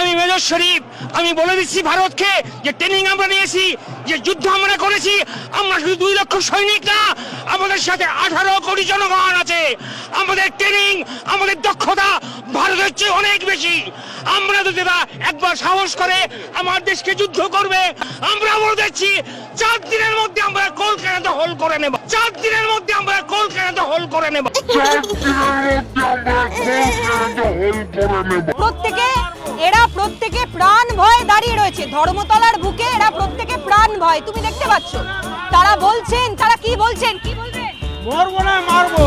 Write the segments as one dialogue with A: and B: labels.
A: আমি মেজর শরীফ, আমি বলে দিচ্ছি ভারতকে যে ট্রেনিং আমরা নিয়েছি, যে যুদ্ধ আমরা করেছি, আমরা শুধু 2 লক্ষ সৈনিক না, আমাদের সাথে 18 কোটি জনগণ আছে। আমাদের ট্রেনিং, আমাদের দক্ষতা ভারতের চেয়ে অনেক বেশি। আমরা যদি একবার সাহস করে আমার দেশকে যুদ্ধ করবে, আমরা বলে দিচ্ছি 4 দিনের মধ্যে আমরা কলকাতা দখল করে নেব। 4 দিনের মধ্যে আমরা কলকাতা দখল করে নেব।
B: প্রত্যেকে প্রাণ ভয়ে দাঁড়িয়ে রয়েছে ধর্মতলার বুকে। এরা প্রত্যেকে প্রাণ ভয়, তুমি দেখতে পাচ্ছ। তারা বলছেন, তারা কি বলছেন, কি বলবেন?
A: মরবো না, মারবো।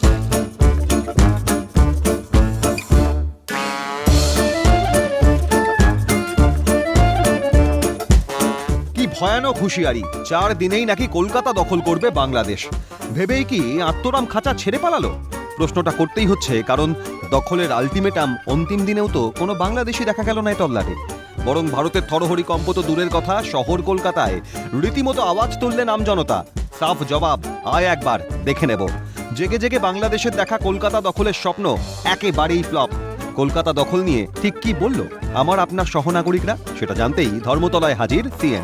C: কি ভয়ানক হুঁশিয়ারি! 4 দিনেই নাকি কলকাতা দখল করবে বাংলাদেশ। ভেবেই কি আত্মরাম খাঁচা ছেড়ে পালালো? প্রশ্নটা করতেই হচ্ছে, কারণ দখলের আলটিমেটাম অন্তিম দিনেও তো কোনো বাংলাদেশি দেখা গেল না এই তল্লাটে। বরং ভারতের থরহরি কম্প তো দূরের কথা, শহর কলকাতায় রীতিমতো আওয়াজ তুললেন আমজনতা। সাফ জবাব, আয় একবার দেখে নেব। জেগে জেগে বাংলাদেশের দেখা কলকাতা দখলের স্বপ্ন একেবারেই ফ্লপ। কলকাতা দখল নিয়ে ঠিক কি বলল আমার আপনার সহনাগরিকরা, সেটা জানতেই ধর্মতলায় হাজির সিএন।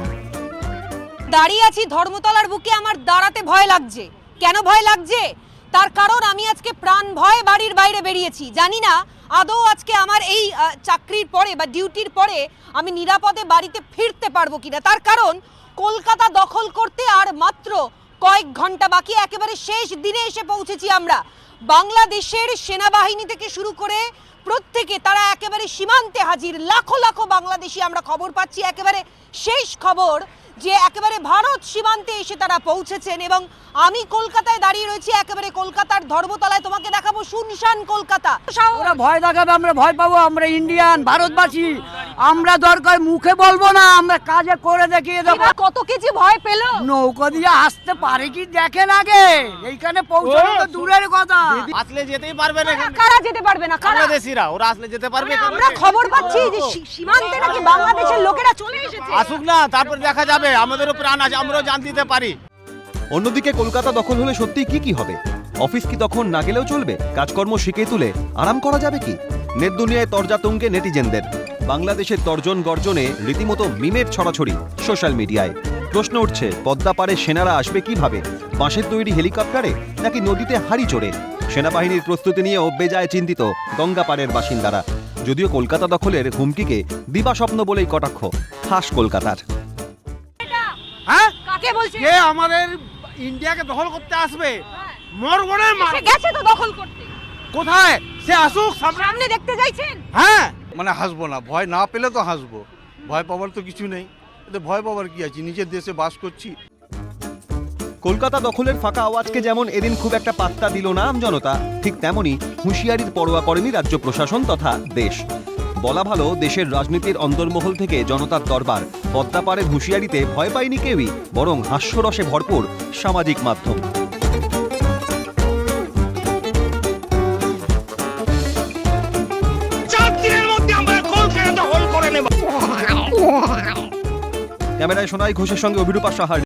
B: দাঁড়িয়ে আছি ধর্মতলার বুকে, আমার দাঁড়াতে ভয় লাগছে। কেন ভয় লাগছে? তার কারণ আমি আজকে প্রাণ ভয়ে বাড়ির বাইরে বেরিয়েছি। জানি না আদৌ আজকে আমার এই চাকরির পরে বা ডিউটির পরে আমি নিরাপদে বাড়িতে ফিরতে পারবো কিনা। তার কারণ কলকাতা দখল করতে আর মাত্র কয়েক ঘন্টা বাকি। একেবারে শেষ দিনে এসে পৌঁছেছি আমরা। বাংলাদেশের সেনাবাহিনী থেকে শুরু করে প্রত্যেকে তারা একেবারে সীমান্তে হাজির। লাখো লাখো বাংলাদেশি আমরা খবর পাচ্ছি, একেবারে শেষ খবর যে একেবারে ভারত সীমান্তে এসে তারা পৌঁছেছেন। এবং আমি কলকাতায় দাঁড়িয়ে রয়েছি, একেবারে কলকাতার ধর্মতলায়। তোমাকে দেখাবো শুনশান কলকাতা।
D: ওরা ভয় দেখাবে, আমরা ভয় পাবো? আমরা ইন্ডিয়ান, ভারতবাসী, আমরা দরকার মুখে বলবো না, আমরা কাজে করে দেখিয়ে দেবো।
B: কত কেজি ভয় পেল?
D: নৌকা দিয়ে আসতে পারে কি দেখেন আগে, এইখানে পৌঁছানো তো দূরের কথা।
E: আসলে যেতেই পারবে না।
B: কারা যেতে পারবে না?
E: বাংলাদেশিরা, ওরা আসলে যেতে পারবে।
B: আমরা খবর পাচ্ছি যে সীমান্তে নাকি বাংলাদেশের লোকেরা চলে এসেছে।
E: আসুক না, তারপর দেখা যাবে। আমাদেরও প্রাণ আছে, আমরাও জান দিতে পারি।
C: অন্যদিকে কলকাতা দখল হলে সত্যি কি হবে? অফিস কি তখন না গেলেও চলবে? কাজকর্ম শিখে তুলে আরাম করা যাবে কি? নেট দুনিয়ায় তরজা তুঙ্গে নেটিজেনদের। বাংলাদেশের তর্জন গর্জনে রীতিমতো মিমের ছড়াছড়ি সোশ্যাল মিডিয়ায়। প্রশ্ন উঠছে, পদ্মা পারে সেনারা আসবে কিভাবে? বাঁশের তৈরি হেলিকপ্টারে নাকি নদীতে হাড়ি চড়ে? সেনাবাহিনীর প্রস্তুতি নিয়েও বেজায় চিন্তিত গঙ্গাপাড়ের বাসিন্দারা। যদিও কলকাতা দখলের হুমকিকে দিবাস্বপ্ন বলেই কটাক্ষ খাস কলকাতার।
E: হ্যাঁ,
B: কাকে বলছে?
E: কে আমাদের ইন্ডিয়াকে দখল করতে আসবে? মরবো না,
B: সে গেছে তো দখল করতে।
E: কোথায়? সে আসুক,
B: সামনে দেখতে চাইছেন?
E: হ্যাঁ।
F: মানে হাসবো না, ভয় না পেলে তো হাসবো। ভয় পাওয়ার তো কিছু নেই, এতে ভয় পাওয়ার কি আছে? নিজের দেশে বাস করছি।
C: কলকাতা দখলের ফাঁকা আওয়াজকে যেমন এদিন খুব একটা পাত্তা দিল না আমজনতা, ঠিক তেমনি হুঁশিয়ারির পরোয়া করেনি রাজ্য প্রশাসন তথা দেশ। বলা ভালো, দেশের রাজনীতির অন্দরমহল থেকে জনতার দরবার। পদ্মা পাড়ের হুঁশিয়ারিতে ভয় পায়নি কেউই, বরং হাস্যরসে ভরপুর সামাজিক মাধ্যম। ক্যামেরায় সোনাই ঘোষের সঙ্গে অভিরূপা সাহার।